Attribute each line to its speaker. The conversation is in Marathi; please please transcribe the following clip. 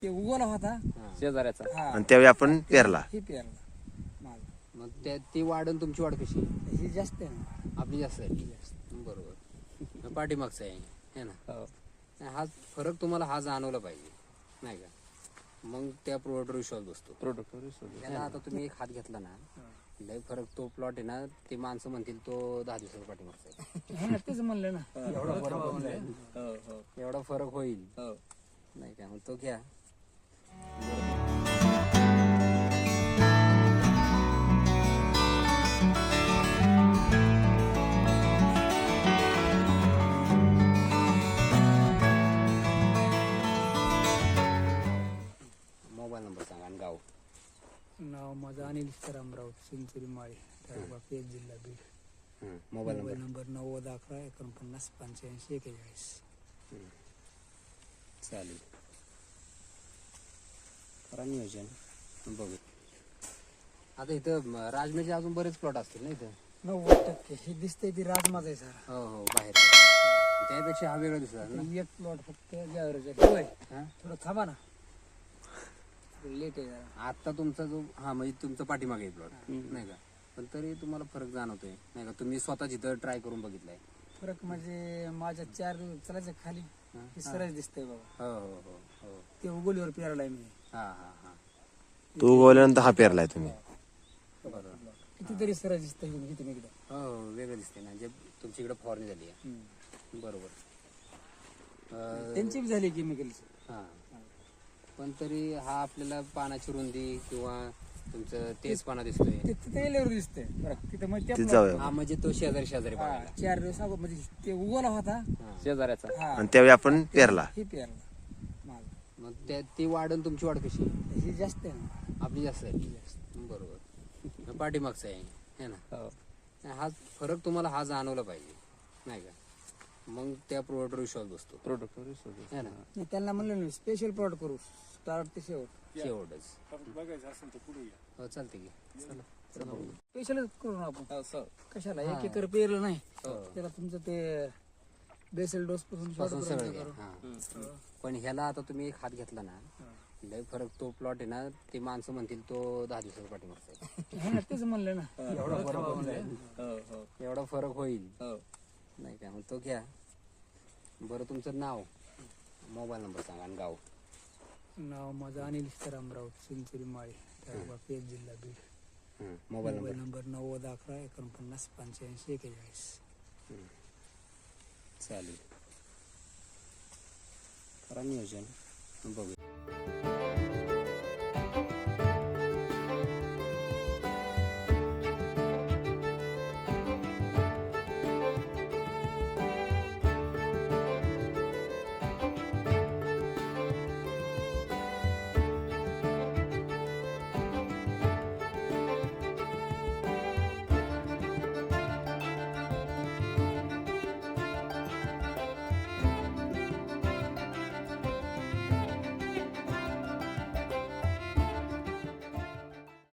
Speaker 1: ते उगवला होता
Speaker 2: शेजाऱ्याचा.
Speaker 1: हा
Speaker 3: आणि त्यावेळी आपण पेरला.
Speaker 1: हे पेरला माल.
Speaker 2: मग ती वाढ आणि तुमची वाढ कशी?
Speaker 1: ही जास्त आहे ना.
Speaker 2: आपली जास्त आहे. बरोबर. पाठीमागचं आहे है ना. हा फरक तुम्हाला हा जाणवला पाहिजे नाही का. मग त्या प्रोडक्टवर विश्वास बसतो. याला आता तुम्ही एक हात घेतला ना, लय फरक तो प्लॉट आहे ना, ते माणसं म्हणतील तो 10 दिवसाचा पाठीमागचा आहे.
Speaker 1: हे ना तेच म्हणलं ना.
Speaker 2: एवढा फरक होईल नाही का. मग तो घ्या. मोबाईल नंबर सांगा आणि गाव.
Speaker 1: नाव माझं अनिल सीताराम राऊत, चिंचोली माळी, तालुका पेठ, जिल्हा Beed.
Speaker 2: Mobile
Speaker 1: mobile
Speaker 2: number.
Speaker 1: Number 9011 49 85 41.
Speaker 2: चालेल. करा नियोजन. बघू. आता इथं राजमेचे अजून बरेच प्लॉट असतील ना इथं.
Speaker 1: 90% हे दिसतंय ती राजमाच आहे सर.
Speaker 2: हो बाहेर. त्यापेक्षा हा वेगळा दिसतात ना.
Speaker 1: एक प्लॉट फक्त होय.
Speaker 2: हा?
Speaker 1: थोडं थांबा ना, लेट आहे जरा.
Speaker 2: आता तुमचा जो म्हणजे तुमचा पाठीमागे प्लॉट नाही का, पण तरी तुम्हाला फरक जाणवतोय नाही का. तुम्ही स्वतः जिथं ट्राय करून बघितलाय.
Speaker 1: फरक म्हणजे माझ्या 4 चलायचं खाली हे सरळ दिसतंय बाबा.
Speaker 2: हो.
Speaker 1: ते उगवलीवर पेरलाय मी.
Speaker 2: हा.
Speaker 3: तू उगवल्यानंतर हा पेरलाय तुम्ही.
Speaker 2: बरोबर.
Speaker 1: कितीतरी सरळ दिसतंय इथे एकदम.
Speaker 2: हो वेगळं दिसते ना, जे तुमची इकडे फवारणी झाली आहे. बरोबर.
Speaker 1: त्यांची बी झाली केमिकलची.
Speaker 2: हा. पण तरी हा आपल्याला पानाची रुंदी किंवा तुमचं तेच पाना दिसतोय.
Speaker 1: तिथे गेल्यावर दिसतंय तिथं मग
Speaker 3: तिथे जाऊया.
Speaker 2: हा म्हणजे तो शेजारी बघायला.
Speaker 1: 4 दिवस अगोदर म्हणजे ते उगवला होता
Speaker 2: शेजाऱ्याचा.
Speaker 1: हा
Speaker 3: आणि त्यावेळी आपण पेरला.
Speaker 1: हे पेरला माल.
Speaker 2: मग ती वाढ आणि तुमची वाढ कशी?
Speaker 1: ही जास्त आहे ना.
Speaker 2: आपली जास्त आहे. बरोबर. पाठीमागचं आहे है ना. हा फरक तुम्हाला हा जाणवला पाहिजे नाही का. मग त्या प्रोडक्टवर विश्वास बसतो. है ना.
Speaker 1: त्यांना म्हणलं ना स्पेशल प्लॉट करू, स्टार्ट ते
Speaker 2: शेवटच.
Speaker 1: बघायचं असेल तर पुढे
Speaker 2: हो चालते की.
Speaker 1: स्पेशलच करू ना आपण. कशाला 1 एकर पेरलं नाही त्याला तुमचं ते बेसल डोस
Speaker 2: पासून सगळं घ्या. हा. पण ह्याला आता तुम्ही एक हात घेतला ना, लय फरक तो प्लॉट आहे ना, ते माणसं म्हणतील तो 10 दिवसाचा पाठीमागचा आहे.
Speaker 1: हे ना तेच म्हणलं ना.
Speaker 2: एवढा फरक होईल नाही का. मग तो घ्या. बरं तुमचं नाव, मोबाईल नंबर सांगा आणि गाव.
Speaker 1: नाव माझं अनिल सीताराम राऊत, चिंचोली माळी, तालुका पेठ, जिल्हा Beed.
Speaker 2: Mobile
Speaker 1: mobile
Speaker 2: number.
Speaker 1: Number 9011 49 85 41.
Speaker 2: चालेल. करा नियोजन. बघू.